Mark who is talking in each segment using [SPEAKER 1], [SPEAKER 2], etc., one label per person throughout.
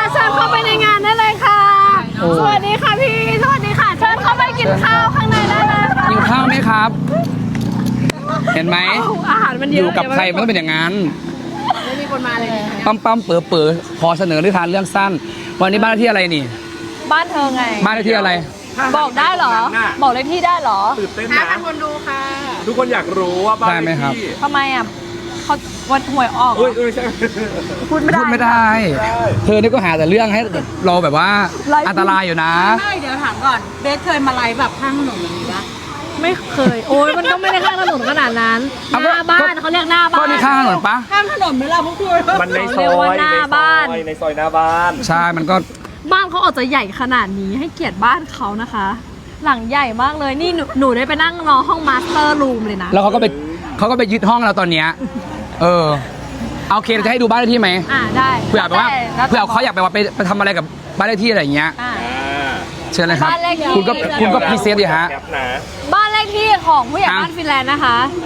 [SPEAKER 1] เชิญเข้าไปในงานได้เลยค่ะสวัสดีค่ะพี่สวัสดีค่ะเชิญเข้าไปกินข้าวข้างในได้เลยค่ะ
[SPEAKER 2] กินข้าวไหมครับ เห็นไหม
[SPEAKER 1] อาหารมันเย
[SPEAKER 2] อ
[SPEAKER 1] อะ
[SPEAKER 2] ยู่กับใครมันต้องเป็นอย่างนั้น
[SPEAKER 1] ไม่มีคนมาเลย
[SPEAKER 2] ปั๊มเป๋อขอเสนอนิทานเรื่องสั้น วันนี้บ้านเลขที่อะไรนี่
[SPEAKER 1] บ้านเธอไง
[SPEAKER 2] บ้านเลขที่อะไร
[SPEAKER 1] บอกได้เหรอ บอกเลขที่ได้เหรอ
[SPEAKER 3] ตื่นเต้นนะคนดูค่ะ ทุกคนอยากรู้ว่าบ้าน
[SPEAKER 2] ได้ไหมครับ
[SPEAKER 3] เลขที่
[SPEAKER 1] ทำไมอ่ะเขาวันหวยออกเหร
[SPEAKER 3] เอ้
[SPEAKER 1] อย
[SPEAKER 3] ใช่
[SPEAKER 1] พูดไม่ได้
[SPEAKER 2] พูดไม่ได้ เธอนี่ก็หาแต่เรื่องให้เราแบบว่าอันตรายอยู่นะ
[SPEAKER 4] ไม่เดี๋ยวถามก่อนเบสเคยมาไลฟ์แบบข้างถนนแบบนี้ปะ
[SPEAKER 1] ไม่เคย โอ้ยมันก็ไม่ได้ข้างถนนขนาดนั้นห
[SPEAKER 2] เอาก็
[SPEAKER 1] น้าบ้านเขาเรียกหน้าบ้า
[SPEAKER 2] ก็
[SPEAKER 1] น
[SPEAKER 2] นี่ข้างถนนปะ
[SPEAKER 4] ข้างถนนไหมล่ะพวกคุณ
[SPEAKER 3] มันในซ
[SPEAKER 1] เรียก
[SPEAKER 3] อ
[SPEAKER 1] ว่าย หน้าบ้าน
[SPEAKER 3] ในซอยหน้าบ้าน
[SPEAKER 2] ใช่มันก็
[SPEAKER 1] บ้านเขาออกจะใหญ่ขนาดนี้ให้เกียรติบ้านเขานะคะ หลังใหญ่มากเลยนี่หนูได้ไปนั่งรอห้องมาสเตอร์รูมเลยนะ
[SPEAKER 2] แล้วเขาก็ไปยึดห้องเราตอนเนี้ยโอเคเราจะให้ดูบ้านเลขที่ไหม
[SPEAKER 1] ได้
[SPEAKER 2] เผื่อแบบว่า
[SPEAKER 1] แล้วแต่
[SPEAKER 2] เผื่อเขาอยากไปทำอะไรกับบ้านเลขที่อะไรอย่างเงี้ย
[SPEAKER 1] อ่า
[SPEAKER 2] เชิญเลยครับ
[SPEAKER 1] บ้านเลขที่
[SPEAKER 2] คุณก็พรีเซนต์ดิฮะ
[SPEAKER 3] แคปนะ
[SPEAKER 1] บ้านเลขที่ของผู้ใหญ่
[SPEAKER 2] อ่ะ
[SPEAKER 1] บ้านฟินแลนด์นะคะ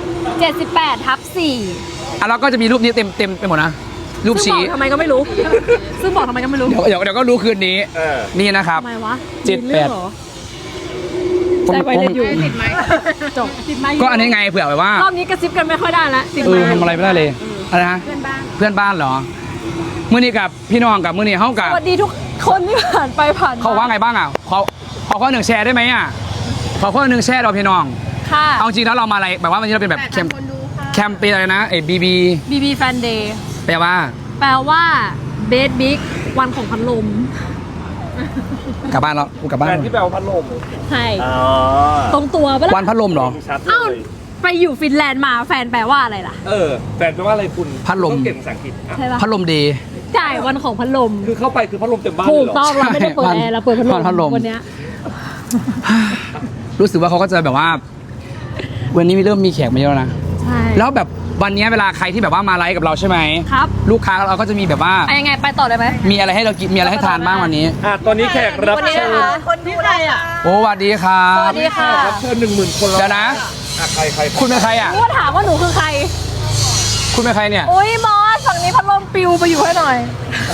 [SPEAKER 1] 78/4
[SPEAKER 2] แล้วก็จะมีรูปนี้เต็มไปหมดนะรูป
[SPEAKER 1] ซึ่งบ
[SPEAKER 2] ชี้
[SPEAKER 1] อกทำไมก็ไม่รู้ ซึ่งบอกทำไมก็ไม่รู้
[SPEAKER 2] เดี๋ยวก็รู้คืนนี้
[SPEAKER 3] เออ
[SPEAKER 2] นี่นะครับ
[SPEAKER 1] ทำไมวะ
[SPEAKER 2] เจ็ด
[SPEAKER 1] มีเรื่องเหรอ
[SPEAKER 2] ผม
[SPEAKER 1] ใจไว้เลยอยู่จบ
[SPEAKER 2] ก็อันนี้ไงเผื่อแบบว่า
[SPEAKER 1] รอบนี้กระซิบกันไม่ค่อยได้ละติด
[SPEAKER 2] เอ
[SPEAKER 1] ไม้
[SPEAKER 2] อทำอะไรไม่ได้เลยอะไรนะเพื่อนบ้านเหรอมื้อนี้กับพี่น้องกับมื้อนี้เฮากับ
[SPEAKER 1] สวัสดีทุกคนที่ผ่านไปผ่านม
[SPEAKER 2] เขาว่าไงบ้างอ่ะขอข้อหนึ่งแชร์ได้ไหมอ่ะขอข้อหนึ่งแชร์เราพี่น้อง
[SPEAKER 1] ค่ะ
[SPEAKER 2] เอาจริงแล้วเรามาอะไรแบบว่าวันนี้เราเป็นแบบแคมเปญอะไรนะบีบี
[SPEAKER 1] BB Fan Day
[SPEAKER 2] แปลว่า
[SPEAKER 1] แปลว่าเบสบิ๊กวันของพัดลม
[SPEAKER 2] กลับบ้านแล้วกูกลับบ้าน
[SPEAKER 3] แฟนที่แปลว่าพัดลม
[SPEAKER 1] ใช่
[SPEAKER 3] อ๋อ
[SPEAKER 1] ตรงตัวปะล่ะ
[SPEAKER 2] วันพัดลมเหรอ
[SPEAKER 3] ชัดเล
[SPEAKER 1] เอ้าย ไปอยู่ฟินแลนด์มาแฟนแปลว่าอะไรล่ะ
[SPEAKER 3] แฟนแปลว่าอะไรคุณ
[SPEAKER 2] พัดลม
[SPEAKER 3] ต้องเก่งภาษาอังกฤษอ่ะ
[SPEAKER 1] ใช่ปะ
[SPEAKER 2] พัดลมดี
[SPEAKER 1] จ่ายวันของพัดลม
[SPEAKER 3] คือเข้าไปคือพัดลมเต็มบ้าน
[SPEAKER 1] ถู
[SPEAKER 3] เลย
[SPEAKER 1] ก
[SPEAKER 3] เหรอ
[SPEAKER 1] ต้องเราไม่ได้เปิดแอร์เราเปิดพัดลม
[SPEAKER 2] พัดลม
[SPEAKER 1] วันเนี้ย
[SPEAKER 2] รู้สึกว่าเขาก็จะแบบว่า วันนี้เริ่มมีแขกมาเยอะแล้วนะ
[SPEAKER 1] ใช่
[SPEAKER 2] แล้วแบบวันนี้เวลาใครที่แบบว่ามาไลฟ์กับเราใช่ไหม
[SPEAKER 1] ครับ
[SPEAKER 2] ลูกค้าเราก็จะมีแบบว่า
[SPEAKER 1] ไปยังไงไปต่อเลยไหม
[SPEAKER 2] มีอะไรให้เรากินมีอะไรให้ทานบ้างวันนี้
[SPEAKER 3] ตอนนี้แขกรับ
[SPEAKER 1] วันนี้
[SPEAKER 3] เชิ
[SPEAKER 1] นะ
[SPEAKER 3] ญ
[SPEAKER 1] คะ
[SPEAKER 4] คนที่ใครอ่ะ
[SPEAKER 2] โอ้สวัสดีครั
[SPEAKER 1] ส
[SPEAKER 2] บ
[SPEAKER 1] วัสดีค่ะ
[SPEAKER 3] รับเชิญ10,000 คนแล้ว
[SPEAKER 2] เดี๋ยวนะ
[SPEAKER 3] ใคร
[SPEAKER 2] คุณเป็นใครอ่ะ
[SPEAKER 1] รู้ว่าถามว่าหนูคือใคร
[SPEAKER 2] คุณเป็นใครเนี่ย
[SPEAKER 1] อุ้ยมอสฝั่งนี้พัดลมปิวไปอยู่ให้หน่อย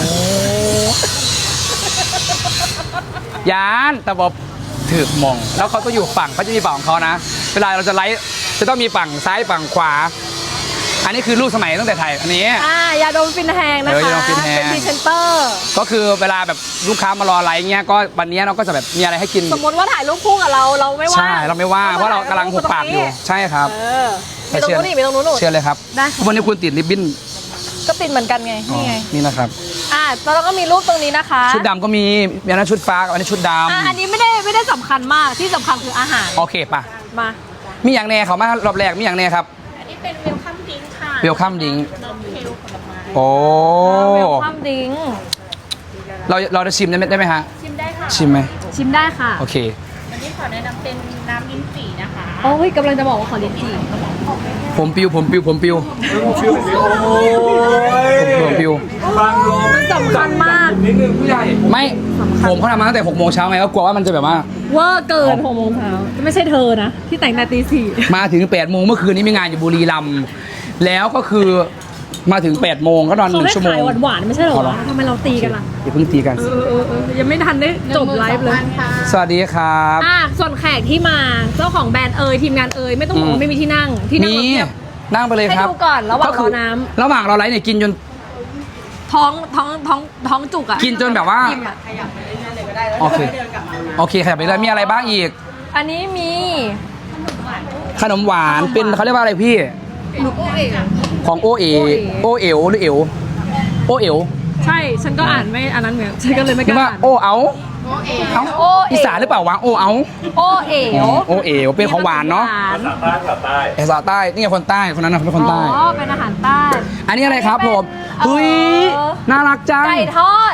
[SPEAKER 2] ยานแต่บอกถือมอง แล้วเขาต้องอยู่ฝั่งเขาจะมีฝั่งของเขานะ เวลาเราจะไลฟ์จะต้องมีฝั่งซ้ายฝั่งขวา อันนี้คือรูปสมัยตั้งแต่ไทยอันนี้
[SPEAKER 1] ยาดมฟินแฮงนะคะ
[SPEAKER 2] ยาดมฟินแฮง
[SPEAKER 1] เป็นพรีเซนเตอร์
[SPEAKER 2] ก็คือเวลาแบบลูกค้ามารอไลฟ์เงี้ยก็วันนี้เราก็จะแบบมีอะไรให้กิน
[SPEAKER 1] สมมติว่าถ่ายรูปคู่กับเราไม่ว่า
[SPEAKER 2] ใช่เราไม่ว่าเพราะเรากำลังหุบปากอยู่ใช่ครับ
[SPEAKER 1] มีตรงนู้นนี่มีตรงนู้นหนู
[SPEAKER 2] เชิญเลยครับ
[SPEAKER 1] ได้ค่ะ
[SPEAKER 2] วันนี้คุณติดริบบิ้น
[SPEAKER 1] ก็ติดเหมือนกันไง นี่ไง
[SPEAKER 2] นี่นะครับ
[SPEAKER 1] แล้วเราก็มีรูปตรงนี้นะคะ
[SPEAKER 2] ชุดดำก็มีอันนั้นชุดฟ้ากับอันนี้ชุดด
[SPEAKER 1] อันนี้ไม่ได้สำคัญมากที่สำคัญคืออาหาร
[SPEAKER 2] ำโอเคป่ะ
[SPEAKER 1] มา
[SPEAKER 2] มีอย่างแน่เขามารอบแรกมีอย่างแน่ครับ
[SPEAKER 4] อันนี้เป็นเวลคัมดิ้งค่ะ
[SPEAKER 2] เวลคัมดิง
[SPEAKER 4] นมเคลผลไม้
[SPEAKER 2] โอ้
[SPEAKER 1] เวลคัมดิ้ง
[SPEAKER 2] เราจะชิมได้ไหมฮะ
[SPEAKER 4] ชิมได้ค่ะ
[SPEAKER 2] ชิมไหม
[SPEAKER 1] ชิมได้ค่ะ
[SPEAKER 2] โอเค
[SPEAKER 4] วันนี้ขอแนะนำเป็นน้ำลิ้นจี่นะคะ
[SPEAKER 1] โอ้ยกำลังจะบอกว่าขอลิ้นจี่
[SPEAKER 2] ผมปิว
[SPEAKER 3] โอ้ยบางลม
[SPEAKER 1] สำคัญมาก
[SPEAKER 3] นิดนึงผู้ใหญ่
[SPEAKER 2] ไม่ผมเขาทำมาตั้งแต่6 โมงเช้าไงก็กลัวว่ามันจะแบบว่า
[SPEAKER 1] เวอร์เกิน6 โมงเช้าไม่ใช่เธอนะ ที่แต่งแต่ตี 4
[SPEAKER 2] มาถึง8 โมงเมื่อคืนนี้มีงานอยู่บุรีรัมย์แล้วก็คือมาถึง8 โมงก็นอน
[SPEAKER 1] เขาได้
[SPEAKER 2] 1 ชั่วโม
[SPEAKER 1] ขาง ยหวานๆไม่ใช่เหรอ
[SPEAKER 2] เอาเหรอ
[SPEAKER 1] วะทำไมเราตีกันล่ะ
[SPEAKER 2] อย่าเพิ่งตีกัน
[SPEAKER 1] ยังไม่ทันได้จบไลฟ์เลย
[SPEAKER 2] สวัสดีครับ
[SPEAKER 1] ส่วนแขกที่มาเจ้าของแบรนด์ทีมงานไม่ต้องบอกว่าไม่มีที่นั่งที่นั่ง
[SPEAKER 2] นี่
[SPEAKER 1] เราเทียบ
[SPEAKER 2] นั่งไปเลยครับ
[SPEAKER 1] ให้ดูก่อนระหว่างรอน้ำ
[SPEAKER 2] ก็คืระหว่างเราไลฟ์เนี่ยกินจน
[SPEAKER 1] ท้องจุกอ่ะ
[SPEAKER 2] กินจนแบบว่า
[SPEAKER 1] อิ่มอะ
[SPEAKER 2] โอเคโอเคขยับไปเลยมีอะไรบ้างอีก
[SPEAKER 1] อันนี้มี
[SPEAKER 2] ขนมหวานเป็นเขาเรียกว่าอะไรพี่ ของโอเอ๋หรือเอ๋วโอเอ๋ว
[SPEAKER 1] ใช่ฉันก็อ่านไม่อันนั้นเหมือนฉันก็เลยไม่ก
[SPEAKER 2] นึก
[SPEAKER 1] ล้า
[SPEAKER 2] ว่า
[SPEAKER 1] อ่าน
[SPEAKER 2] โอเอาเอา
[SPEAKER 1] โอเอ๋ว
[SPEAKER 2] อีสานหรือเปล่าวะโอเอา
[SPEAKER 1] โอเอ๋ว
[SPEAKER 2] โอเอ๋วเป็นของหวานเนาะ
[SPEAKER 1] หว
[SPEAKER 3] ภาษาใต้
[SPEAKER 2] ภาษาใต้นี่ไงคนใต้คนนั้นนะเขาเป็นคนใต้
[SPEAKER 1] อ๋อเป็นอาหารใต้
[SPEAKER 2] อันนี้อะไรครับผมเฮ้ยน่ารักจัง
[SPEAKER 1] ไก่ทอด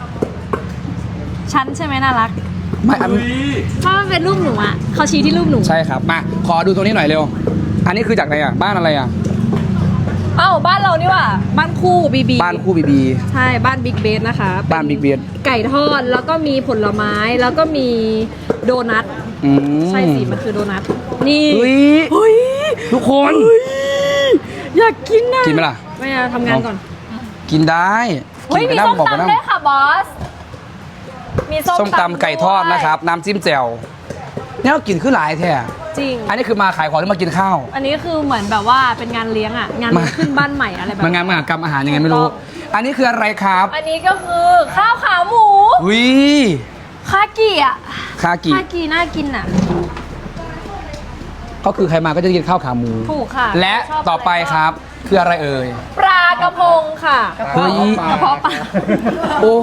[SPEAKER 1] ฉันใช่ไหมน่ารัก
[SPEAKER 2] ไม่อัน
[SPEAKER 1] เพราะมันเป็นรูปหนูอ่ะเขาชี้ที่รูปหนู
[SPEAKER 2] ใช่ครับมาขอดูตรงนี้หน่อยเร็ว อันนี้คือจากไหนอ่ะบ้านอะไรอ่ะ
[SPEAKER 1] เอ้าบ้านเรานี่หว่าบ้านคู่บีบี
[SPEAKER 2] บ้านคู่บีบี
[SPEAKER 1] ใช่บ้านบิ๊กเบสนะคะ
[SPEAKER 2] บ้านบิ๊กเบียด
[SPEAKER 1] ไก่ทอดแล้วก็มีผลไม้แล้วก็มีโดนัทใช่สิมันคือโดนัทนี่
[SPEAKER 2] เฮ้ย
[SPEAKER 1] เฮ้ย
[SPEAKER 2] ทุกคน
[SPEAKER 1] อยากกินนะ
[SPEAKER 2] กินไหมล่ะ
[SPEAKER 1] ไม่เอาทำงานก่อน
[SPEAKER 2] กินได้
[SPEAKER 1] เฮ้ย
[SPEAKER 2] กินไป
[SPEAKER 1] มี
[SPEAKER 2] นั่ง
[SPEAKER 1] ส้ม
[SPEAKER 2] บอกไปนั่ง
[SPEAKER 1] ตำด้วยค่ะบอส มี
[SPEAKER 2] ส้มตำไก่ทอดนะครับ น้ำจิ้มแจ่วเนี่ยเรากินขึ้นหลายแท้
[SPEAKER 1] จริง
[SPEAKER 2] อันนี้คือมาขายของหรือมากินข้าว
[SPEAKER 1] อันนี้คือเหมือนแบบว่าเป็นงานเลี้ยงอ่ะ งานเลี้ยงขึ้นบ้านใหม่อะไรแบบ
[SPEAKER 2] มางานมหากรรมอาหารยังไงไม่รู้ อันนี้คืออะไรครับ
[SPEAKER 1] อันนี้ก็คือข้าวขาหมู
[SPEAKER 2] วิ
[SPEAKER 1] คากิอ่ะ
[SPEAKER 2] คากิ
[SPEAKER 1] คากิน่ากินอ่ะ
[SPEAKER 2] ก็คือใครมาก็จะกินข้าวขาหมู
[SPEAKER 1] ถูกค่ะ
[SPEAKER 2] และ
[SPEAKER 1] ชบ
[SPEAKER 2] ต่อไปครับคืออะไรเอ่ย
[SPEAKER 1] ปลากระพงค่ะ
[SPEAKER 2] เฮ้ย
[SPEAKER 1] กระเพาะปลา
[SPEAKER 2] โอ้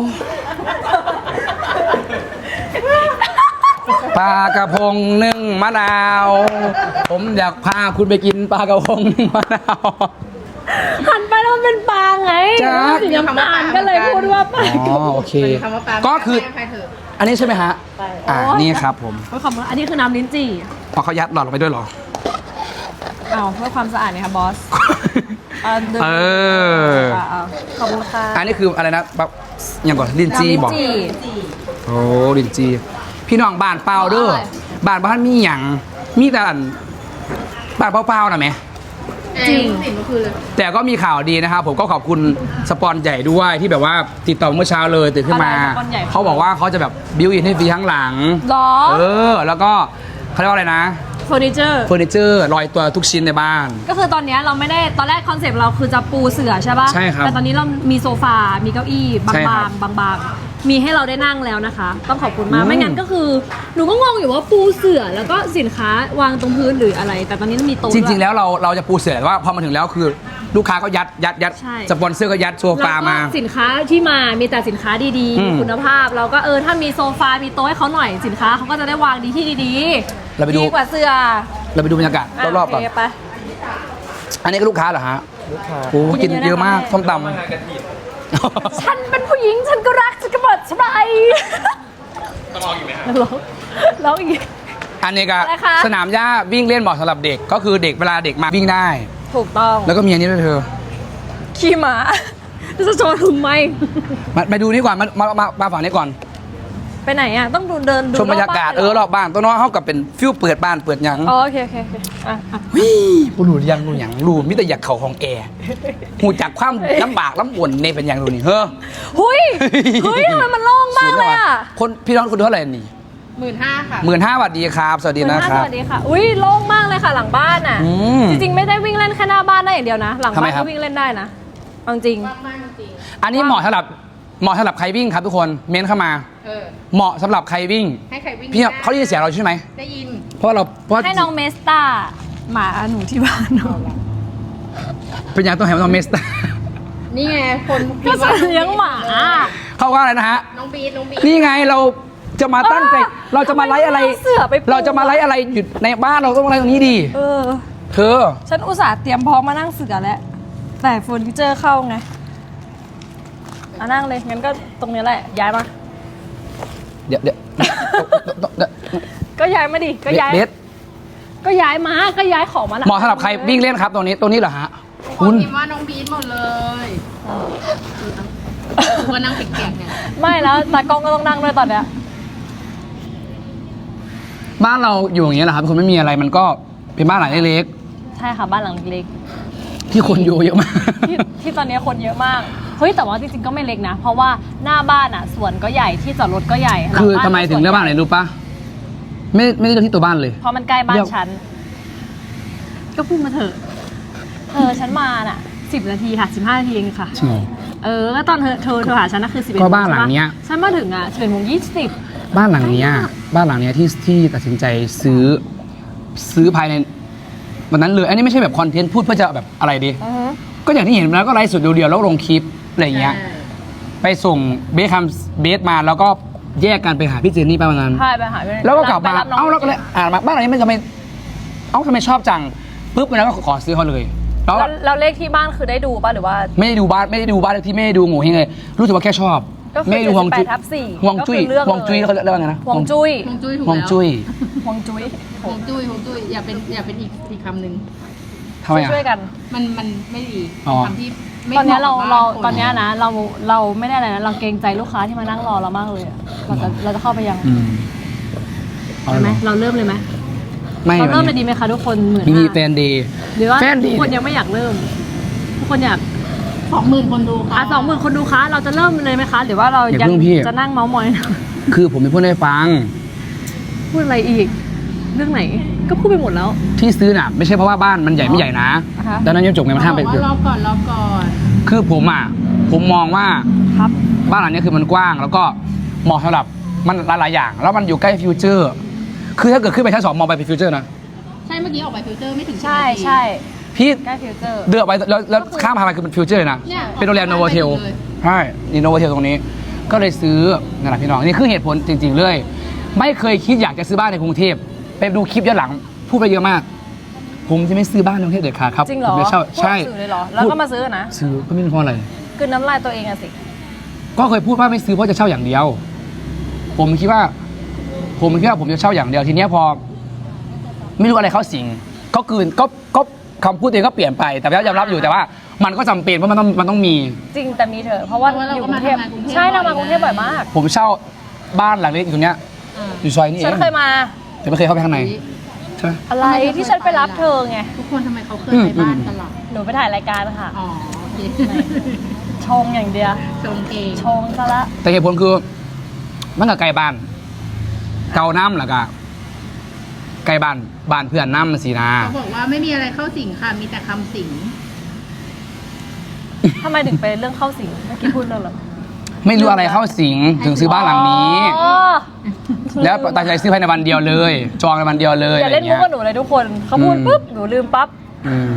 [SPEAKER 2] ปลากระพงนึ่งมะนาว ผมอยากพาคุณไปกินปลากระพงนึ่งมะนาว
[SPEAKER 1] หันไปแล้วมันเป็นปลาไง
[SPEAKER 2] จ๊ะ
[SPEAKER 1] สีน้ำตาลก็เลยพูดว่าปลา
[SPEAKER 2] อ๋อโอเค
[SPEAKER 4] คำว่าปลา
[SPEAKER 2] ก็คือ
[SPEAKER 4] ใครเถอะ
[SPEAKER 2] อันนี้ใช่ไหมฮะนี่ครับผม
[SPEAKER 1] เพื่อความอันนี้คือน้ำลิ้นจี่
[SPEAKER 2] พอเขายัดหลอดลงไปด้วยเหรอ
[SPEAKER 1] เอาเพื่อความสะอาดเนี่ยค่ะบอสดื่ม
[SPEAKER 2] เออ
[SPEAKER 1] เอาขอบคุณค่ะ
[SPEAKER 2] อันนี้คืออะไรนะแบบอย่างก่อนลินจีบอก
[SPEAKER 1] น้ำลิ้นจี่
[SPEAKER 2] โอ้ลินจี พี่น้องบ้านเปล่าเด้อ
[SPEAKER 1] อร่อย
[SPEAKER 2] บ้านบ้านมีหยังมีแต่อันบ้านเปล่าๆนะแม่
[SPEAKER 1] จริง
[SPEAKER 4] สิ่งก็คือเลย
[SPEAKER 2] แต่ก็มีข่าวดีนะครับ ผมก็ขอบคุณสปอนใหญ่ด้วยที่แบบว่าติดต่อเมื่อเช้าเลยตื่นขึ้นมา
[SPEAKER 1] อะไรสปอนใหญ่
[SPEAKER 2] เขาบอกว่าเขาจะแบบบิวอินให้ฟรีข้างหลัง
[SPEAKER 1] หรอ
[SPEAKER 2] แล้วก็เขาเรียกว่าอะไรนะ
[SPEAKER 1] เฟอร์นิเจอร์
[SPEAKER 2] เฟอร์นิเจอร์ลอยตัวทุกชิ้นในบ้าน
[SPEAKER 1] ก็คือตอนเนี้ยเราไม่ได้ตอนแรกคอนเซปต์เราคือจะปูเสื่อใช่ป่ะ
[SPEAKER 2] ใช่ครับ
[SPEAKER 1] แต่ตอนนี้เรามีโซฟา มีเก้าอี้บ
[SPEAKER 2] ใช่ครั
[SPEAKER 1] าง
[SPEAKER 2] บ
[SPEAKER 1] ๆบางๆมีให้เราได้นั่งแล้วนะคะ ต้องขอบคุณมาก
[SPEAKER 2] อืม
[SPEAKER 1] ไม่งั้นก็คือหนูก็งงอยู่ว่าปูเสื่อแล้วก็สินค้าวางตรงพื้นหรืออะไร แต่ตอนนี้มีโต๊ะ
[SPEAKER 2] จริง ๆ
[SPEAKER 1] ด้ย
[SPEAKER 2] แล้วเราจะปูเสือแต่ว่าพอมาถึงแล้วคือลูกค้าก็ยัด
[SPEAKER 1] ใช่
[SPEAKER 2] สปอนเซอร์ก็ยัดโซฟามา
[SPEAKER 1] แล้วก็สินค้าที่มามีแต่สินค้าดี
[SPEAKER 2] อืม
[SPEAKER 1] ๆคุณภาพ เราก็ถ้ามีโซฟา มีโต๊ะให้เขาหน่อยสินค้าเขาก็จะได้วางดีที่ดี
[SPEAKER 2] เราไปดู
[SPEAKER 1] ดีกว่าเสื้อ
[SPEAKER 2] เราไปดูบรรยากาศรอบๆก่อน
[SPEAKER 1] โเคไป
[SPEAKER 2] อันนี้ก็ลูกค้าเหรอฮะลูกค้าโอ้กินเยอะมากส้มตำ
[SPEAKER 1] ฉันเป็นผู้หญิงฉันก็รักฉันก็เปิดสบายต้องร้องอีกไหมครับร้องอีก
[SPEAKER 2] อันนี้ก็
[SPEAKER 1] อะไรคะ
[SPEAKER 2] สนามหญ้าวิ่งเล่นเหมาะสำหรับเด็กก็คือเด็กเวลาเด็กมาวิ่งได้
[SPEAKER 1] ถูกต้อง
[SPEAKER 2] แล้วก็มีอันนี้ด้วยเธอ
[SPEAKER 1] ขี่ม้าจะโชว์ทำไม
[SPEAKER 2] มาดูนี่ก่อนมาฝั่งนี้ก่อน
[SPEAKER 1] ไปไหนอ่ะ ต้องดูเดินดู
[SPEAKER 2] ชมบรรยากาศ
[SPEAKER 1] บ้น
[SPEAKER 2] รอบบ้านตัวน้องเขากับเป็นฟิวเปิดบ้านเปิดหยัง
[SPEAKER 1] อ๋อโอเคโอเคโอเคอ่ะ
[SPEAKER 2] วิปูรูยังรูหยังรูมิแต่อยากเข่าของแอร์หูจากความลำบากลำบนในเป็นอย่างรูนี่เฮ้อ
[SPEAKER 1] หุยเฮ้ยทำไมมันโล่งมากเลยอ่ะ
[SPEAKER 2] คนพี่น้องคุณเท่าไหร่นี่
[SPEAKER 4] 15,000 ค่ะ
[SPEAKER 2] 15,000 สวัสดีครับ สวัสดีนะค
[SPEAKER 1] ส
[SPEAKER 2] รับ
[SPEAKER 1] วัสดีค่ะ อุ้ยโล่งมากเลยค่ะหลังบ้านอ่ะ
[SPEAKER 2] อืม
[SPEAKER 1] จริงๆไม่ได้วิ่งเล่นแค่หน้าบ้านได้อย่างเดียวนะ หลัง
[SPEAKER 2] ทำไม
[SPEAKER 1] บ้าน
[SPEAKER 2] ครั
[SPEAKER 1] ก็
[SPEAKER 2] บ
[SPEAKER 1] วิ่งเล่นได้นะเอาจริง
[SPEAKER 4] มากจริง
[SPEAKER 2] อันนี้เหมาะสำหรับใครวิ่งครับทุกคนเม้นเข้ามา เหมาะสำหรับใครวิ่ง
[SPEAKER 4] ให้ใครวิ่ง
[SPEAKER 2] พี่เขาได้ยินเสียงเราใช่ไหม
[SPEAKER 4] ได้ยิน
[SPEAKER 2] เพราะเรา
[SPEAKER 1] ให้น้องเมสตาหมาหนูที่บ้านหนู
[SPEAKER 2] เป็นอย่างต้องให้น้องเมส
[SPEAKER 4] นี่ไง คน
[SPEAKER 1] ก็จะเลี้ยงหมา
[SPEAKER 2] เขาว่าอะไรนะฮะ
[SPEAKER 4] น้องบีท
[SPEAKER 2] นี่ไงเราจะมาตั้งใจเราจะมาไลฟ์อะไร
[SPEAKER 1] ทำไมม่เาเสือไปปู
[SPEAKER 2] เราจะมาไลฟ์อะไรอยู่ในบ้านเราต้องไลฟ์ตรงนี้ดี
[SPEAKER 1] เออ
[SPEAKER 2] เธอ
[SPEAKER 1] ฉันอุตส่าห์เตรียมพร้อมมานั่งเสือแล้ว แต่เฟอร์นิเจอร์เข้าไงอ่ะนั่งเลย งั้นก็ตรงนี้แหละ ย้ายมา
[SPEAKER 2] เดี๋ยว
[SPEAKER 1] ก็ย้ายมาดิ ก็ย้าย
[SPEAKER 2] เบส
[SPEAKER 1] ก็ย้ายมา ก็ย้ายของมาละ
[SPEAKER 2] เหมาะสำหรับใครวิ่งเล่นครับตรงนี้เหรอฮะ
[SPEAKER 4] ค
[SPEAKER 2] คุ
[SPEAKER 4] น
[SPEAKER 2] ณ
[SPEAKER 4] พิมพ์ว่าน้องบีทหมดเลยว่านั่งเปียกๆเนี่ย
[SPEAKER 1] ไม่แล้วตากล้องก็ต้องนั่งด้วยตอนเนี้ย
[SPEAKER 2] บ้านเราอยู่อย่างเงี้ยแหละครับคนไม่มีอะไรมันก็เป็นบ้านหลังเล็ก
[SPEAKER 1] ใช่ค่ะบ้านหลังเล็ก
[SPEAKER 2] ๆที่คนอยู่เยอะมาก
[SPEAKER 1] ๆที่ตอนนี้คนเยอะมาก เฮ้ยแต่ว่าจริงๆก็ไม่เล็กนะ เพราะว่าหน้าบ้านอ่ะสวนก็ใหญ่ที่จอดรถก็ใหญ่หลัง
[SPEAKER 2] คือ
[SPEAKER 1] บ้าน
[SPEAKER 2] ทำไมถึงเลือกบ้านไหนรู้ปะไม่ได้เลือกที่ตัวบ้านเลย
[SPEAKER 1] เพราะมันใกล้บ้า
[SPEAKER 2] เลื
[SPEAKER 1] น
[SPEAKER 2] อก
[SPEAKER 1] ฉัน ก็พูดมาเถอะฉันมาน่ะ10 นาทีค่ะ15 นาทีเองค่ะ
[SPEAKER 2] จริงเหรอ
[SPEAKER 1] ก็ตอนเธอโทรหาฉันนะคือ11
[SPEAKER 2] ก็บ้านหลังเนี้ย
[SPEAKER 1] ฉันมาถึงอ่ะ11 โมง 20
[SPEAKER 2] บ้านหลังเนี้ยที่ตัดสินใจซื้อภายในวันนั้นเลยอันนี้ไม่ใช่แบบคอนเทนต์พูดเพื่อจะแบบอะไรดี ก็อย่างที่เห็นแล้วก็ไลฟ์สดเดียวๆแล้วลงคลิปอะไรอย่างเงี้ย ไปส่งเบสมาแล้วก็แยกกันไปหาพี่เจนนี่ไปวันนั้น
[SPEAKER 1] ใช่ไปหาพี่
[SPEAKER 2] แล้วก็กลับมา
[SPEAKER 1] ไปรับน้ง
[SPEAKER 2] แล้วก็เลยมาบ้านหลังนี้มันทำไมทำไมชอบจังปุ๊บแล้วก็ขอซื้อเขาเลยแล้ว
[SPEAKER 1] แล้วเลขที่บ้านคือได้ดูป่ะหรือว่า
[SPEAKER 2] ไม่ได้ดูบ้านเลขที่ไม่ได้ดูโง่เฮงเลยรู้สึกว่าแค่ชอบ
[SPEAKER 1] ก็คือ
[SPEAKER 2] ไม่ได้ดูฮวงจุ้ย
[SPEAKER 1] 78/4
[SPEAKER 2] ฮวงจุ้ย
[SPEAKER 1] ก็คือเลือกเลย
[SPEAKER 2] ฮวงจุ้ยเขาเรียกว่าไงนะ
[SPEAKER 1] ฮวงจุ้ย
[SPEAKER 4] ฮวงจุ้ยถูก
[SPEAKER 2] ฮวง
[SPEAKER 4] แล้ว
[SPEAKER 2] จุ้ย
[SPEAKER 1] ฮวงจุ้ย
[SPEAKER 4] ฮวงจุ้ยอย่าเป็นอีกคำหนึ่ง
[SPEAKER 2] ทำไมอ่ะ
[SPEAKER 1] ช่วยกัน
[SPEAKER 4] มันไม่ดี
[SPEAKER 2] อ๋อ
[SPEAKER 4] คำที่ไม่
[SPEAKER 1] ตอนเนี้ย
[SPEAKER 4] หมะกับ
[SPEAKER 1] เรา
[SPEAKER 4] บ้ค
[SPEAKER 1] ตอนเนี้ยนะเราไม่ได้อะไรนะเราเกรงใจลูกค้าที่มานั่งรอเรามากเลยอะเราจะเข้าไปยัง
[SPEAKER 2] เอา
[SPEAKER 1] ใช่ไหม
[SPEAKER 2] เหรอ
[SPEAKER 1] เราเริ่มเลยไหม
[SPEAKER 2] ไม่
[SPEAKER 1] เราเริ่ม
[SPEAKER 2] วั
[SPEAKER 1] เลย
[SPEAKER 2] น
[SPEAKER 1] ดี
[SPEAKER 2] นี้
[SPEAKER 1] ไหมคะทุกคน
[SPEAKER 2] มี
[SPEAKER 1] 15,000
[SPEAKER 2] แฟนดี
[SPEAKER 1] หรือว่า
[SPEAKER 2] แฟนดี
[SPEAKER 1] ทุกคนยังไม่อยากเริ่มทุกคนอยาก
[SPEAKER 4] 20,000 คนดูค่ะ
[SPEAKER 1] 20,000 คนดูคะเราจะเริ่มเลยไหมคะ หรือว่าเรา
[SPEAKER 2] อย่า
[SPEAKER 1] ยัง
[SPEAKER 2] เพิ่งพี่
[SPEAKER 1] จะนั่งเมาส์มอย
[SPEAKER 2] คือผมเป็นพูดให้ฟัง
[SPEAKER 1] พูดอะไรอีก เรื่องไหนก็พูดไปหมดแล้ว
[SPEAKER 2] ที่ซื้อน่ะไม่ใช่เพราะว่าบ้านมันใหญ่ไม่ใหญ่นะ
[SPEAKER 1] อ่าฮะ
[SPEAKER 2] ดังนั้นยังจบไงมันห้ามไป
[SPEAKER 4] บอกว่ารอก่อน
[SPEAKER 2] คือผมมองว่า
[SPEAKER 1] ครับ
[SPEAKER 2] บ้านหลังนี้คือมันกว้าง แล้วก็เหมาะสำหรับมันหลายๆอย่าง แล้วมันอยู่ใกล้ฟิวเจอร์ คือถ้าเกิดขึ้นไปชั้น 2มองไปเป็นฟิวเจอร์นะ
[SPEAKER 4] ใช่เมื่อกี้ออกไปฟิลเตอร์ไม่ถึง10
[SPEAKER 1] ใช่
[SPEAKER 4] นาที
[SPEAKER 1] ใช่
[SPEAKER 2] พี่
[SPEAKER 1] ใกล้ฟิวเจอร์
[SPEAKER 2] เดือกไปแล้วข้ามพาไปคือเป็นฟิวเจอร์เลยนะ
[SPEAKER 4] เนี่ย
[SPEAKER 2] เป็นโรงแรมโนโวเทล
[SPEAKER 4] เลย
[SPEAKER 2] ใช่นี่โนโวเทลตรงนี้ ก็เลยซื้อนั่นแหละพี่น้องนี่คือเหตุผลจริง ๆ เลย ไม่เคยคิดอยากจะซื้อบ้านในกรุงเทพไปดูคลิปย้อนหลังพูดไปเยอะมาก ผมจะไม่ซื้อบ้านในกรุงเทพเด็ดขาดครับ
[SPEAKER 1] จริงเหรอ
[SPEAKER 2] ผมจะเช่า
[SPEAKER 1] พูด
[SPEAKER 2] ใช่
[SPEAKER 1] สื่อเลยเหรอ แล้วก็มาซื้อนะ
[SPEAKER 2] ซื้อก็ไม่รู้เพราะอะไร
[SPEAKER 1] คือน้ำลายตัวเองอะสิ
[SPEAKER 2] ก็เคยพูดว่าไม่ซื้อเพราะจะเช่าอย่างเดียว ผมคิดว่าผมจะเช่าอย่างเดียวทีเนี้ยพอ ไม่รู้อะไรเข้าสิงก็คำพูดตัวเองก็เปลี่ยนไปแต่ก็ยอมรับอยู่แต่ว่า มันก็จำเป็นเพราะมันต้องมี
[SPEAKER 1] จริงแต่มีเถอะเพราะว่า
[SPEAKER 4] เพราะว่าเรา
[SPEAKER 1] อยู่
[SPEAKER 4] ก็
[SPEAKER 1] กรุ
[SPEAKER 4] มาง
[SPEAKER 1] เทพ
[SPEAKER 4] ทำงานกรุงเทพ
[SPEAKER 1] ใช่เรามา
[SPEAKER 4] บ่อย
[SPEAKER 1] กรุงเทพบ่อยมาก
[SPEAKER 2] ผมเช่าบ้านหลังเล็กอยู่ตรงเนี้ย
[SPEAKER 4] อ่า
[SPEAKER 2] อยู่ซอยนี้เอ
[SPEAKER 1] ฉัน
[SPEAKER 2] ง
[SPEAKER 1] เคยมา
[SPEAKER 2] แต่ไม่เคยเข้าไปข้างในใช่ไหม
[SPEAKER 1] อะไรที่ฉันไปรับเธอไง
[SPEAKER 4] ทุกคนทำไมเขาเคยไปบ้านกันล่ะ
[SPEAKER 1] หนูไปถ่ายรายการค่ะ
[SPEAKER 4] อ๋อโอเค
[SPEAKER 1] ชงอย่างเดียว
[SPEAKER 4] ชงเอง
[SPEAKER 1] ชงซะละ
[SPEAKER 2] แต่เหตุผลคือมันกับไกลบ้าน เกาน้ำหรอกอะไกลบ้านเพื่อนน้ำมันสีนา
[SPEAKER 4] เขาบอกว่าไม่มีอะไรเข้าสิงค่ะ มีแต่คำสิง
[SPEAKER 1] ทำไมถึงไปเรื่องเข้าสิงเมื่อกี้พูดเรื่องอะไร
[SPEAKER 2] ไม่รู้อะไรเข้าสิงถึงซื้อบ้านหลังนี้
[SPEAKER 1] อ๋อ
[SPEAKER 2] แล้วตัดสินใจซื้อภายในวันเดียวเลย จองในวันเดียวเลย
[SPEAKER 1] อย่าเล่นมุกกับหนูเลยทุกคนเขาพูดปุ๊บหนูลืมปั๊บ
[SPEAKER 2] อืม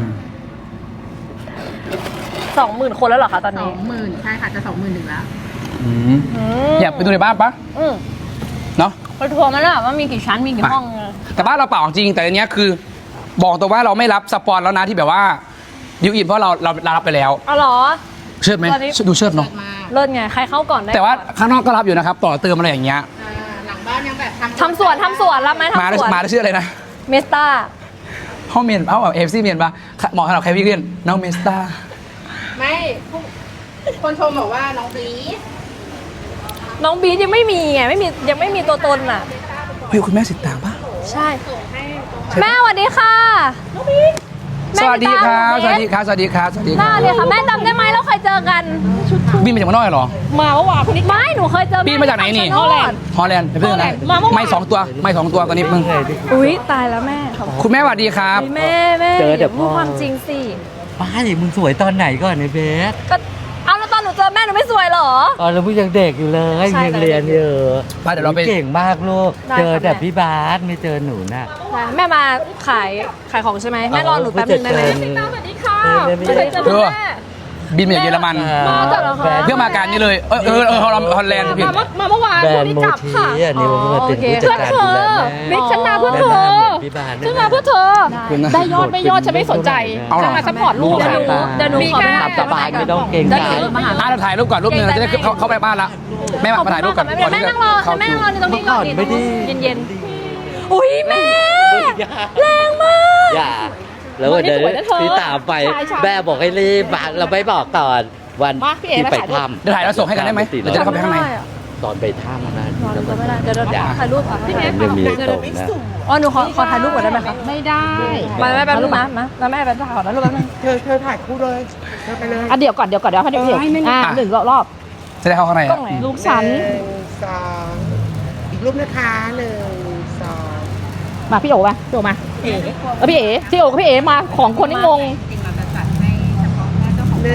[SPEAKER 1] 20,000 คนแล้วเหรอคะตอนนี้
[SPEAKER 4] 20,000ใช่ค่ะจะ20,000 ถึงแล้ว
[SPEAKER 2] อืมอยากไปดูในบ้านปะ
[SPEAKER 1] อืม
[SPEAKER 2] เนาะ
[SPEAKER 1] ไปทัวร์มาแล้วว่ามีกี่ชั้นมีกี่ห้อง
[SPEAKER 2] แต่บ้านเราเปล่าจริงแต่อันเนี้ยคือ บอกตัวว่าเราไม่รับสปอนแล้วนะที่แบบว่าดิวอินเพราะเรารับไปแล้ว
[SPEAKER 1] อ๋อเหรอ
[SPEAKER 2] เชิดไหม
[SPEAKER 1] ตอนนี้
[SPEAKER 2] ดูเชิดเนาะ
[SPEAKER 4] เปิดมา
[SPEAKER 1] เลิศไงใครเข้าก่อนได้
[SPEAKER 2] แต่ว่า
[SPEAKER 1] ก่อน
[SPEAKER 2] ข้างนอกก็รับอยู่นะครับ ต่อเติมอะไรอย่างเงี้ย
[SPEAKER 4] หลังบ้านยังแบบ
[SPEAKER 1] ทำสวนรับไหม
[SPEAKER 2] มา
[SPEAKER 1] ทำสวน
[SPEAKER 2] ได้ชื่ออะไรนะ
[SPEAKER 1] เมสตา
[SPEAKER 2] ห้องเมียนเอฟซีเมียนปะเหมาะสำหรับใครวิ่งเล่นน้องเมสตา
[SPEAKER 4] ไม่คนชมบอกว่าน้องบี
[SPEAKER 1] น้องบีทยังไม่มีไงยังไม่มีตัวตนอ่ะ
[SPEAKER 2] เฮ้ยคุณแม่สิตางปะ
[SPEAKER 1] ใช่ แม่สวัสดีค่ะน้องบีท
[SPEAKER 2] สวัสดีครับสวัสดีครับสวัสดีครับสวัสดีค
[SPEAKER 1] น่า
[SPEAKER 2] รับ
[SPEAKER 1] เลยค่ะแม่จำได้ไหมเราเคยเจอกัน
[SPEAKER 2] บินมาจากเมืองนอกเหรอ
[SPEAKER 1] มาเมื่อวานไม่หนูเคยเจอ
[SPEAKER 2] บินมาจากไหนนี่
[SPEAKER 1] ฮอลแลนด์
[SPEAKER 2] ฮอลแลนด์เป็นเพื่อนอะไร
[SPEAKER 1] มาเมื่อวาน
[SPEAKER 2] ไม่สองตัวตอนนี้มึง
[SPEAKER 1] อุ๊ยตายแล้วแม่ขอบ
[SPEAKER 2] คุณแม่สวัสดีครับ
[SPEAKER 1] คุณแม่
[SPEAKER 5] เจอเดี๋ยวพ่
[SPEAKER 1] พู
[SPEAKER 5] อ
[SPEAKER 1] ดความจริงสิ
[SPEAKER 5] ป้าดิมึงสวยตอนไหนก่อนไอ้เบส
[SPEAKER 1] ก็เอาแล้วตอนหนูเจอแม่หนูไม่สวยเหรอ
[SPEAKER 5] ตอนเรามึงยังเด็กอยู่เลย
[SPEAKER 1] ใช่
[SPEAKER 5] ยังเรียนอยู่
[SPEAKER 2] ไปเดี๋ยวเราไป
[SPEAKER 5] เก่งมากลูก
[SPEAKER 1] ได้
[SPEAKER 5] เจอ
[SPEAKER 1] ค่ะ
[SPEAKER 5] แต่
[SPEAKER 1] แม่
[SPEAKER 5] พี่บาสไม่เจอหนูน่ะ
[SPEAKER 1] แม่มาขายของใช่ไหมแม่รอหนูแป๊บนึงได้ไหม
[SPEAKER 5] ผู้จัดการ
[SPEAKER 1] สวัสดีค่ะ
[SPEAKER 5] ไม่
[SPEAKER 1] ไม่เคยเจอคุณแม่
[SPEAKER 2] บินมาจากเยอรมัน
[SPEAKER 1] มาจากเหรอคะ
[SPEAKER 5] แบรนด์
[SPEAKER 2] เพื่อมาการนี้เลยฮอลแลนด์ผิด
[SPEAKER 1] มาเมื่อวาน
[SPEAKER 5] แบร
[SPEAKER 1] พรุ่
[SPEAKER 5] น
[SPEAKER 1] งนี้
[SPEAKER 5] ด์โม
[SPEAKER 1] กลับ
[SPEAKER 5] ที
[SPEAKER 1] ค่ะ
[SPEAKER 5] อันนี้มันมาเป็นผู้จัดการ
[SPEAKER 1] เพื่อนเธ
[SPEAKER 5] ดู
[SPEAKER 1] อ
[SPEAKER 5] แล
[SPEAKER 1] บิ๊กฉันมาเพื่อเธอ
[SPEAKER 5] แม่หน้าเหมือนพี่บาส
[SPEAKER 1] ฉันมาเพื่อเธอ
[SPEAKER 2] คุณนะ
[SPEAKER 1] ได้ยอดไม่ยอดฉันไม่สนใจ
[SPEAKER 2] เอาเหรอ
[SPEAKER 1] ฉันมาซัพพอร์ตลูก
[SPEAKER 5] เดี๋ยวหนู
[SPEAKER 1] ขอไป
[SPEAKER 5] ตามสบายไม่ต้องเกรงใจ
[SPEAKER 1] ได้ดี๋ยวมาหา
[SPEAKER 2] เราถ่ายรูปก่อนรูปหนึงเราจะได้เข้าไปบ้านละแม่มาถ่ายรูปก่อน
[SPEAKER 1] แม่นั่งรอแม่นั่งรอในตรงนี้ก่อน
[SPEAKER 5] เมื่อก่อนไม่ได้
[SPEAKER 1] เย็นๆอุ้ยแม่แรงมาก
[SPEAKER 5] อย่าแล้วเดี๋ยวพี่ตามไปแม่บอกให้รีบมาเราไม่บอกก่อนวันที่ไปถ้ำ
[SPEAKER 2] เดี๋ยวถ่ายแล้วส่งให้กันได้ไหมเราจะได้เข้าไปข้างใน
[SPEAKER 5] ตอนไปถ้ำนะ
[SPEAKER 1] นอนจะไม่ได้เดี๋ยวถ่ายรูปอ่ะพี่แม่
[SPEAKER 5] ยังมีตรงนะ
[SPEAKER 1] อ๋อหนูขอถ่ายรูปก่อนได้ไหมคะ
[SPEAKER 4] ไม่ได้
[SPEAKER 1] มาแม่แป๊บนึงนะมาแล้วแม่แป๊บนึงขอถ่ายรูปแป๊บนึง
[SPEAKER 6] เธอถ่ายคู่เลยเธอไปเลย
[SPEAKER 1] อ่ะเดี๋ยวก่อนให้เดี๋ยวหนึ่งรอบ
[SPEAKER 2] จะได้เข้าข้างใน
[SPEAKER 1] กล้องไหนลูกฉัน
[SPEAKER 6] 1 2 อีกรูปนะคะ1 2
[SPEAKER 1] มาพี่โอ๋มาพี่เอ๋พี่โอ๋กับพี่เอ๋มาของคนที่งง
[SPEAKER 6] 1 2 1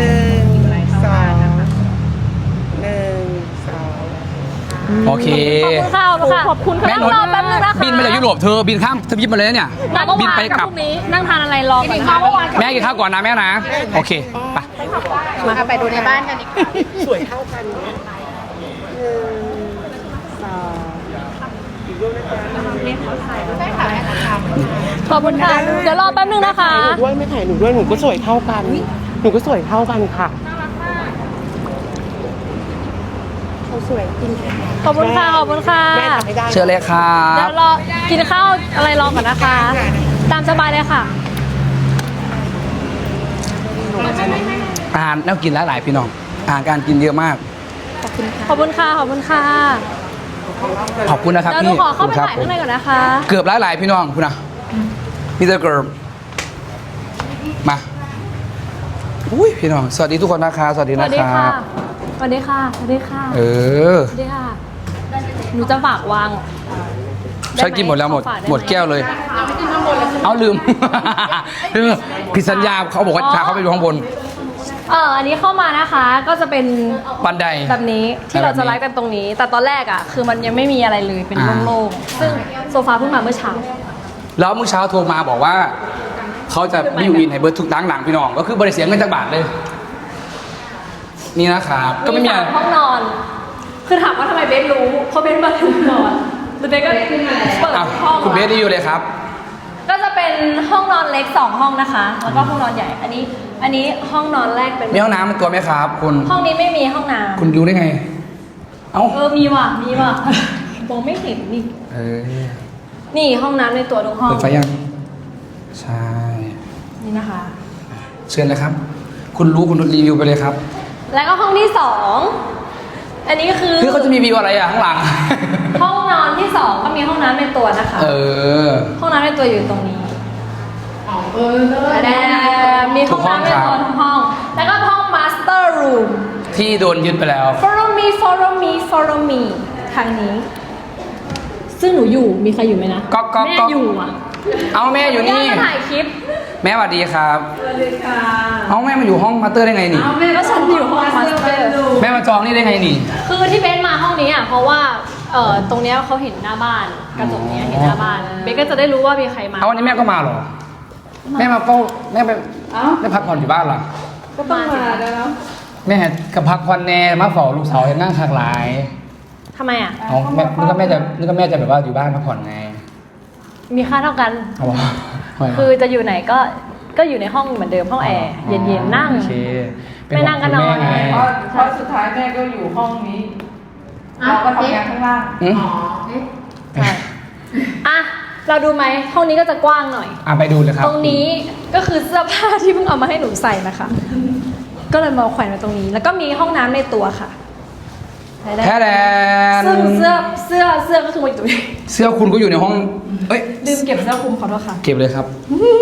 [SPEAKER 6] 2
[SPEAKER 2] โอเค
[SPEAKER 1] ขอบคุณค่ะ
[SPEAKER 2] แม่
[SPEAKER 1] นั่งรอแป๊บนึงนะคะ
[SPEAKER 2] บินมาจากยุโรปเธอบินข้ามทวีปมาเลยนะเนี่ย
[SPEAKER 1] มาเมื่อ
[SPEAKER 2] บิน
[SPEAKER 1] วาน
[SPEAKER 2] ไป
[SPEAKER 1] กับ
[SPEAKER 2] กลั
[SPEAKER 1] พ
[SPEAKER 2] บ
[SPEAKER 1] รุ่งนี้นั่งทานอะไรรอก่อนมาเมื่อวาน
[SPEAKER 2] แม่กินข้าวก่อนนะแม่นะโอเคไป
[SPEAKER 4] มาไปดูในบ้านกันดีกว่า
[SPEAKER 6] สวยเท่ากันนะ1 2 อีกรูปนะคะ
[SPEAKER 4] ใช่ค่ะแม่ทำ
[SPEAKER 1] ขอบคุณค่ะเดี๋ยวรอแป๊บนึงนะคะ
[SPEAKER 6] หนูด้วยไม่ถ่ายหนูด้วยหนูก็สวยเท่ากัน หนูก็สวยเท่ากันค่ะเขาสวยจริงค่ะ
[SPEAKER 1] ขอบคุณค่ะขอบคุณค่ะ
[SPEAKER 6] แม่ทำไม่ได้
[SPEAKER 2] เชิญเลยครั
[SPEAKER 1] เดี๋ย
[SPEAKER 2] บ
[SPEAKER 1] วรอกินข้าวอะไรรอก่อนนะคะ ตามสบายเลยค่ะ
[SPEAKER 2] อาหารน่ากินหลายๆพี่น้องอาหารการกินเยอะมาก
[SPEAKER 1] ขอบคุณค่ะขอบคุณค่ะ
[SPEAKER 2] ขอบคุณนะครับ
[SPEAKER 1] เดี๋ยวหนู
[SPEAKER 2] พี่
[SPEAKER 1] ขอเข้าไป
[SPEAKER 2] ครับ
[SPEAKER 1] ถ่ายข้างในก่อนนะคะ
[SPEAKER 2] เกือบหลายๆพี่น้องคุณนะมิสเตอร์เกิร์บมาอุ้ยพี่น้องสวัสดีทุกคนนะคะสวัสดี
[SPEAKER 1] ส
[SPEAKER 2] นะ
[SPEAKER 1] วัสดี
[SPEAKER 2] ค
[SPEAKER 1] ค่ะ
[SPEAKER 2] รับ
[SPEAKER 1] สวัสดีค่ะ สวัสดีค่ะ
[SPEAKER 2] เออ
[SPEAKER 1] สวัสดีค่ะ หนูจะฝากวาง
[SPEAKER 2] ฉันกินหมดแล้วหมด
[SPEAKER 1] ขอฝากไไ
[SPEAKER 2] หมดแก้วเลย เอาลืม ลืมผิดสัญญาเขาบอกว่าพาเขาไปดูข้างบน
[SPEAKER 1] อันนี้เข้ามานะคะ ก็จะเป็น
[SPEAKER 2] บันได
[SPEAKER 1] แบบนี้ที่เราจะไลฟ์กันตรงนี้ แต่ตอนแรกอ่ะ คือมันยังไม่มีอะไรเลย เป็นโล่งๆ ซึ่งโซฟาเพิ่งมาเมื่อเช้า
[SPEAKER 2] แล้วเมื่อเช้าโทรมาบอกว่า เขาจะบิวอินให้เบิร์ดทุกตั้งหลังพี่น้อง ก็คือบริเสียเงินจากบาทเลย นี่นะครับ ก็ไม่มีอะไร
[SPEAKER 1] สาห้องนอน คือถามว่าทำไมเบสรู้ เพราะเบสมาถึงนอนแล้วเบสก็เปิด
[SPEAKER 2] อ่ะ
[SPEAKER 1] ห้อง
[SPEAKER 2] คุณเบสรีวิวเลยครับ
[SPEAKER 1] ก็จะเป็นห้องนอนเล็ก2ห้องนะคะ แล้วก็ห้องนอนใหญ่ อันนี้ห้องนอนแรกเป็น
[SPEAKER 2] มีห้องน้ำเป็นตัวไหมครับ คุณ
[SPEAKER 1] ห้องนี้ไม่มีห้องน้ำ
[SPEAKER 2] คุณรู้ได้ไง เอ้า
[SPEAKER 1] มีว่ะ มองไม่เห็นนี่
[SPEAKER 2] เออ
[SPEAKER 1] นี่ห้องน้ำในตัวทุกห้อง
[SPEAKER 2] เปิดไฟยัง ใช่
[SPEAKER 1] นี่นะคะ
[SPEAKER 2] เชิญเลยครับ คุณรู้คุณรีวิวไปเลยครับ
[SPEAKER 1] แล้วก็ห้องที่2อันนี้คือ
[SPEAKER 2] คือเขาจะมีวิวอะไรอ่ะข้างหลัง
[SPEAKER 1] ห้องนอนที่2ก็มีห้องน้ำในตัวนะคะ
[SPEAKER 2] เออ
[SPEAKER 1] ห้องน้ำในตัวอยู่ตรงนี้แต่มีห้องน้ำในตัวทุกห้อง แล้วก็ห้อง master room
[SPEAKER 2] ที่โดนยึดไปแล้ว
[SPEAKER 1] follow me follow me follow me ทางนี้ ซึ่งหนูอยู่ มีใครอยู่ไหมนะ
[SPEAKER 2] ก็
[SPEAKER 1] แม่อยู่อ่ะ
[SPEAKER 2] เอาแม่อยู่นี่
[SPEAKER 1] แม่มาถ่ายคลิป
[SPEAKER 2] แม่สวัสดีครับสวัสดีค่ะเอาแม่มาอยู่ห้องมาสเตอร์ได้ไงนี่
[SPEAKER 1] ก็ฉันอยู่ห้อง master
[SPEAKER 2] แม่มาจองนี่ได้ไงนี่
[SPEAKER 1] คือที่เบสมาห้องนี้อ่ะ เพราะว่าตรงเนี้ยเขาเห็นหน้าบ้านกระจกเนี้ยเห็นหน้าบ้าน เบสก็จะได้รู้ว่ามีใครมา
[SPEAKER 2] เอาวันนี้แม่ก็มาเหรอ แม่มาเฝ้าแม่ไปไม่พักผ่อนอยู่บ้านเหรอ
[SPEAKER 1] ก็ต้องมาแล้ว
[SPEAKER 2] แม่กับพักผ่อนแน่มาเฝ้าลูกสาวยังนั่งคักหลาย
[SPEAKER 1] ทำไมอ่ะ
[SPEAKER 2] เอาแม่นึกว่าแม่จะแบบว่าอยู่บ้านพักผ่อนไง
[SPEAKER 1] มีค่าเท่ากัน
[SPEAKER 2] เอาวะทำไมวะ
[SPEAKER 1] คือจะอยู่ไหนก็อยู่ในห้องเหมือนเดิมห้องแอร์เย็นๆนั่ง
[SPEAKER 2] โอเคเป็
[SPEAKER 1] ไม่นั่งก็นอน
[SPEAKER 2] ห่วงคุณแม่ไง
[SPEAKER 4] เพราะสุดท้ายแม่ก็อยู่ห้องนี้ เราก็ทำงานข้างล่าง
[SPEAKER 2] อืม
[SPEAKER 1] ใช่อ่ะ เราดูไหมห้องนี้ก็จะกว้างหน่อย
[SPEAKER 2] ไปดูเลยครับ
[SPEAKER 1] ตรงนี้ก็คือเสื้อผ้าที่เพิ่งเอามาให้หนูใส่นะคะ ก็เลยมาแขวนไว้ตรงนี้ แล้วก็มีห้องน้ำในตัวค่ะ
[SPEAKER 2] แท้แดน
[SPEAKER 1] ซึ่งเสื้อก็คือมาอยู่ตรงนี้
[SPEAKER 2] เสื้อคุณก็อยู่ในห้อง เอ้ย
[SPEAKER 1] ลืมเก็บเสื้อคลุมขอโทษค่ะ
[SPEAKER 2] เก็บเลยครับ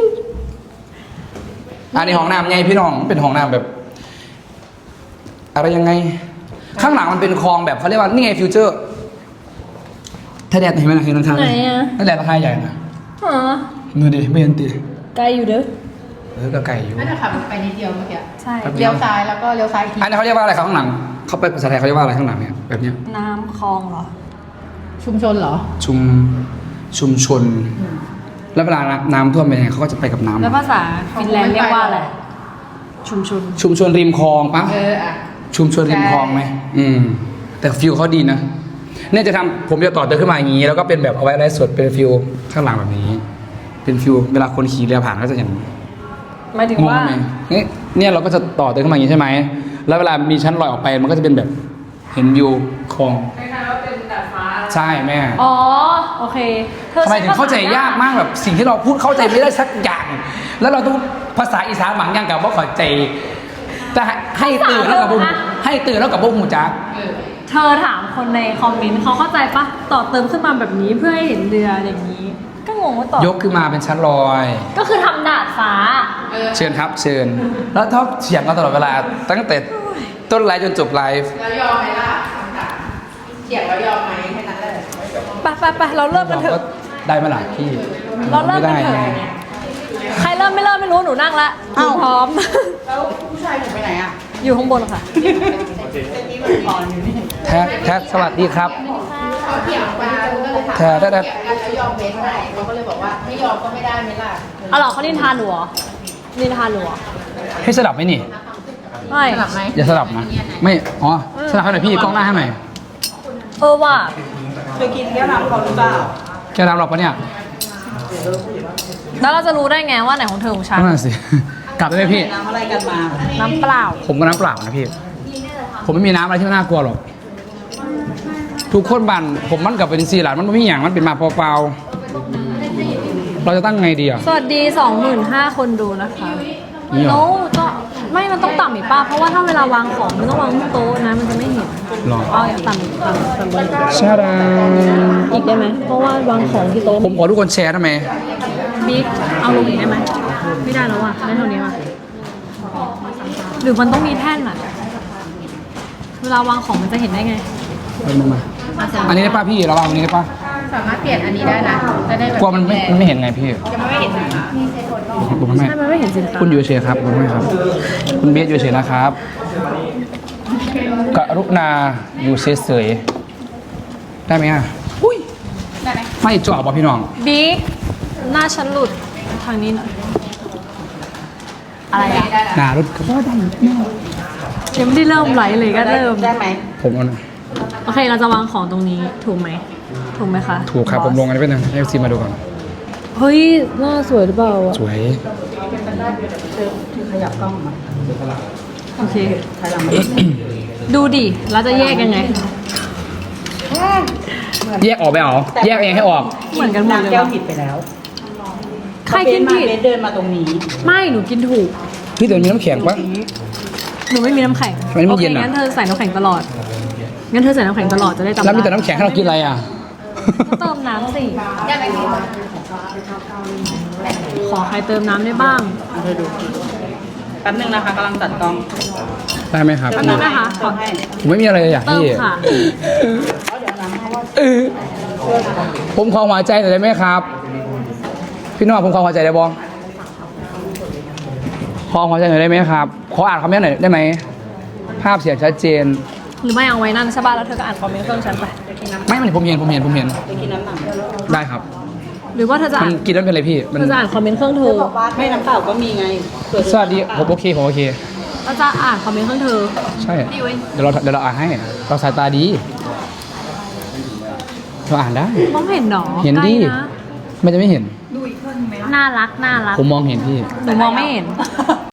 [SPEAKER 2] อันนี้ห้องน้ำไงพี่น้องเป็นห้องน้ำแบบ อะไรยังไง ข้างหลังมันเป็นคลองแบบเขาเรียกว่านี่ไงฟิวเจอร์ถ้าแดดเห็นไหมนะเห็นข้างๆ
[SPEAKER 1] ไหนอะ
[SPEAKER 2] ถ้าแดดราคาใหญ่นะ
[SPEAKER 1] อ๋อ
[SPEAKER 2] มือดิไม่เห็นตี
[SPEAKER 1] ไกลอยู่เด้อ
[SPEAKER 2] ก็ไก่อยู่
[SPEAKER 4] ไม่ได้ขับไปนิดเดียวเมื่อกี้
[SPEAKER 1] ใช่
[SPEAKER 4] เลี้ยวซ้ายแล้วก็เลี้ยวซ้ายอีกที
[SPEAKER 2] อันนี้เขาเรียกว่าอะไรครับข้างหลังเขาไปภาษาไทยเขาเรียกว่าอะไรข้างหลังเนี่ยแบบเนี้ย
[SPEAKER 1] น้ำคลองเหรอ
[SPEAKER 4] ชุมชนเหรอ
[SPEAKER 2] ชุมชน แล้วเวลาน้ำท่วมเป็นยังไงเขาก็จะไปกับน้ำ
[SPEAKER 1] แล้วภาษาฟินแลนด์เรียกว่าอะไร ชุมชน
[SPEAKER 2] ชุมชนริมคลองปะ
[SPEAKER 4] อ่ะ
[SPEAKER 2] ชุมชนริมคลองไหมแต่ฟิลเขาดีนะเนี่ยจะทำผมจะต่อเติมขึ้นมาอย่างนี้ แล้วก็เป็นแบบเอาไว้ไลฟ์สดเป็นฟิลข้างหลังแบบนี้ เป็นฟิลเวลาคนขี่เรือผ่านก็จะอย่าง
[SPEAKER 1] หมายถึง
[SPEAKER 2] งง
[SPEAKER 1] ว่า
[SPEAKER 2] ไหมเนี่ยเราก็จะต่อเติมขึ้นมาอย่างนี้ใช่ไหมแล้วเวลามีชั้นลอยออกไปมันก็จะเป็นแบบเห็นวิวคลองใช่แม่
[SPEAKER 1] อ๋อ โอเคเธอ
[SPEAKER 2] ทำไมถึงเข้าใจยากมากแบบสิ่งที่เราพูดเข้าใจไม่ได้สักอย่าง แล้วเราต้องภาษาอีสานบางอย่างกับว่าเข้าใจแต่ให้ตื่นแล้วกับบุ้มให้ตื่นแล้วกับบุ้มหูจัก
[SPEAKER 1] เธอถามคนในคอมเมนต์เขาเข้าใจปะต่อเติมขึ้นมาแบบนี้เพื่อให้เห็นเรืออย่างนี้ ก็งงว่าต่อย
[SPEAKER 2] กขึ้นมาเป็นชั้นลอย
[SPEAKER 1] ก็คือทำดาดฟ้า
[SPEAKER 2] เชิญครับเชิญ แล้วท็อปเถียงกันตลอดเวลาตั้งแต่ต้นไลฟ์จนจบไลฟ์
[SPEAKER 4] แล้วยอมไหมล่ะเถียงแล้วยอมไหมแค่นั้นเลย
[SPEAKER 1] ไปเราเริ่มกันเถ
[SPEAKER 2] ก็
[SPEAKER 1] อะ
[SPEAKER 2] ได้ไหมล่ะพี่
[SPEAKER 1] เราเริ่มกันเถอะ
[SPEAKER 2] ไได้ไง
[SPEAKER 1] ใครเริ่มไม่เริ่มไม่รู้หนูนั่งละหนูพร้อม
[SPEAKER 4] แล้วผู้ชายหนูไปไหนอ่ะ
[SPEAKER 1] อยู่ข้างบนค่ะ
[SPEAKER 2] แท็กสวัสดีครับ
[SPEAKER 4] เขาเถียงมาก็เลยถาม
[SPEAKER 2] แท็ก
[SPEAKER 4] แล้วยอมเบสไหมเขาก็เลยบอกว่าไม่ยอมก็ไม่ได้ไหมล่ะ
[SPEAKER 1] เอาเหรอเขานินทานหนูเหรอนินทานหนูเหรอ
[SPEAKER 2] ให้สลับไหมนี่
[SPEAKER 1] ไม่
[SPEAKER 4] สลับไหม
[SPEAKER 2] อย่าสลับนะ ไม่อ๋อสลับให้หน่อยพี่กล้องหน้าให้หน่อย
[SPEAKER 1] ว่ะ
[SPEAKER 4] เคยกินแก้วน้ำเขาหรือเปล่า
[SPEAKER 2] แกรับหรอกปะเนี่ย
[SPEAKER 1] แล้วเราจะรู้ได้ไงว่าไหนของเธอของฉัน
[SPEAKER 2] นั่นนะสิ กลับได้ไหมพี่
[SPEAKER 4] น้ำอะไรกันมา
[SPEAKER 1] น้ำเปล่า
[SPEAKER 2] ผมก็น้ำเปล่านะพี่ ผมไม่มีน้ำอะไรที่มันน่ากลัวหรอก ทุกคนบันผมมันกับเป็นซีหลานมันไม่มีอย่างมันเป็นมาเปล่าๆเราจะตั้งไงดีอ่ะ
[SPEAKER 1] สวัสดี 25,000 คนดูนะคะ
[SPEAKER 2] นี่เหรอ
[SPEAKER 1] โน้ก็ไม่มันต้องต่ำอีกป้าเพราะว่าถ้าเวลาวางของมันต้องวางบนโต๊ะนะมันจะไม่เห็น
[SPEAKER 2] หรอ
[SPEAKER 1] เอาอย่างต่ำอีกต่ำบน
[SPEAKER 2] ชาดา
[SPEAKER 1] อีกได้ไหมเพราะว่าวางของที่โต๊ะ
[SPEAKER 2] ผมขอทุกคนแชร์ได้ไหม
[SPEAKER 1] บิ๊กเอาลงอีกได้ไหมไม่ได้แล้วอ่ะได้เท่านี้ว่ะหรือมันต้องมีแท่นอะเวลาวางของมันจะเห็นได้ไง
[SPEAKER 2] เอามาอันนี้ได้ป่ะพี่เราวางอันนี้ได้ป่ะ
[SPEAKER 4] สามารถเปลี่ยนอันนี้ได้นะจะได้แบบ
[SPEAKER 2] กลัวมันไม่เห็นไงพี่
[SPEAKER 4] ยังไม่เห็น
[SPEAKER 2] ผมไม่
[SPEAKER 1] ใช่มันไม่เห็นสินค้า
[SPEAKER 2] คุณอยู่เฉยครับผมไม่ครับ คุณเบสอยู่เฉยนะครับกรุณาอยู่เฉยๆได้ไหมอ่ะ
[SPEAKER 4] ได้ไหม
[SPEAKER 2] ไม่จ่อป่ะพี่น้อง
[SPEAKER 1] บิ๊กหน้าฉันหลุดทางนี้หน่อยอะไรอะ
[SPEAKER 2] หนารถก็ได้
[SPEAKER 1] ยังไม่ได้เริ่มไลฟ์เลยก็เริ่ม
[SPEAKER 6] ได้ไหม
[SPEAKER 2] ผมเอานะ
[SPEAKER 1] โอเคเราจะวางของตรงนี้ถูกไหมถูกไหมคะ
[SPEAKER 2] ถูกครับผมลงอันนี้ไปหนึ่งให้ซีมาดูก่อน
[SPEAKER 1] เฮ้ยหน้าสวยหรือเปล่าอะ
[SPEAKER 2] สวย
[SPEAKER 6] ขยับกล้องมา
[SPEAKER 1] โอเค
[SPEAKER 6] ถอยหลังมา
[SPEAKER 1] ดูดิแล้วจะแยกยังไง
[SPEAKER 2] แยกออกไปเหรอแยกเองให้ออก
[SPEAKER 1] เหมือนกันหมดเลย
[SPEAKER 6] แก้ว
[SPEAKER 1] วะ
[SPEAKER 6] ผิดไปแล้ว
[SPEAKER 1] ใครกินผิด
[SPEAKER 6] เบสเดินมาตรงนี้
[SPEAKER 1] ไม่หนูกินถูก
[SPEAKER 2] พี่เดี๋ยวมีน้ำแข็งปะ
[SPEAKER 1] หนูไม่มีน้ำแข็ง
[SPEAKER 2] ทำไมไม่
[SPEAKER 1] โอเค
[SPEAKER 2] เย็นอะ
[SPEAKER 1] งั้นเธอใส่น้ำแข็งตลอดงั้นเธอใส่น้ำแข็งตลอดจะได้จำ
[SPEAKER 2] แล้วมีแต่
[SPEAKER 1] ได้
[SPEAKER 2] น้ำแข็งให้เรากินอะไรอ่ะ
[SPEAKER 1] ก็เติมน้ำสิ
[SPEAKER 4] ได้ไหมพี่
[SPEAKER 1] ขอใครเติมน้ำได้บ้าง
[SPEAKER 6] เธอดูแป๊บนึงนะคะกำลังตัดกล้อง
[SPEAKER 2] ได้ไหมครับ
[SPEAKER 1] แป๊บนึงนะคะขอ
[SPEAKER 6] ให้
[SPEAKER 2] ผมไม่มีอะไรเลยอ่ะ
[SPEAKER 1] เติม
[SPEAKER 2] พี่
[SPEAKER 1] ค่ะ
[SPEAKER 2] ผมขอหัวใจหน่อยได้ไหมครับ พี่น้องผมขอหัวใจได้บ้องขอหัวใจหน่อยได้ไหมครับ ขออ่านคอมเมนต์หน่อยได้ไหม ภาพเสียงชัดเจน
[SPEAKER 1] หรือไม่เอาไว้นั่นใช่ป่ะแล้วเธอก็อ่านคอมเมนต์เครื่องฉันไป
[SPEAKER 2] ไม่มันผมเห็น
[SPEAKER 6] จะกินน้ำหนัก
[SPEAKER 2] ได้ครับ
[SPEAKER 1] หรือว่าเธอจะ
[SPEAKER 2] มั
[SPEAKER 1] อ่าน น
[SPEAKER 2] กินแล้วเป็นไรพี่ มัน
[SPEAKER 1] เธอจะอ่านคอมเมนต์เครื่องเธอ
[SPEAKER 6] บอกว่าไม่น้ำเปล่าก็มีไงเผื่อเธอ
[SPEAKER 2] สวัสดี ผมโอเค ผมโอเค
[SPEAKER 1] เราจะอ่านคอมเมนต์เครื่องเธอ
[SPEAKER 2] ใช่ เดี๋ยวเราอ่านให้ เราสายตาดีเราอ่านได้
[SPEAKER 1] มองเห็นหนอ
[SPEAKER 2] เห็นดิ
[SPEAKER 1] ใกล้ะ
[SPEAKER 2] ไม่จะไม่เห็น
[SPEAKER 1] น่ารักน่ารัก
[SPEAKER 2] ผมมองเห็นพี่
[SPEAKER 1] หนูมองไม่เห็น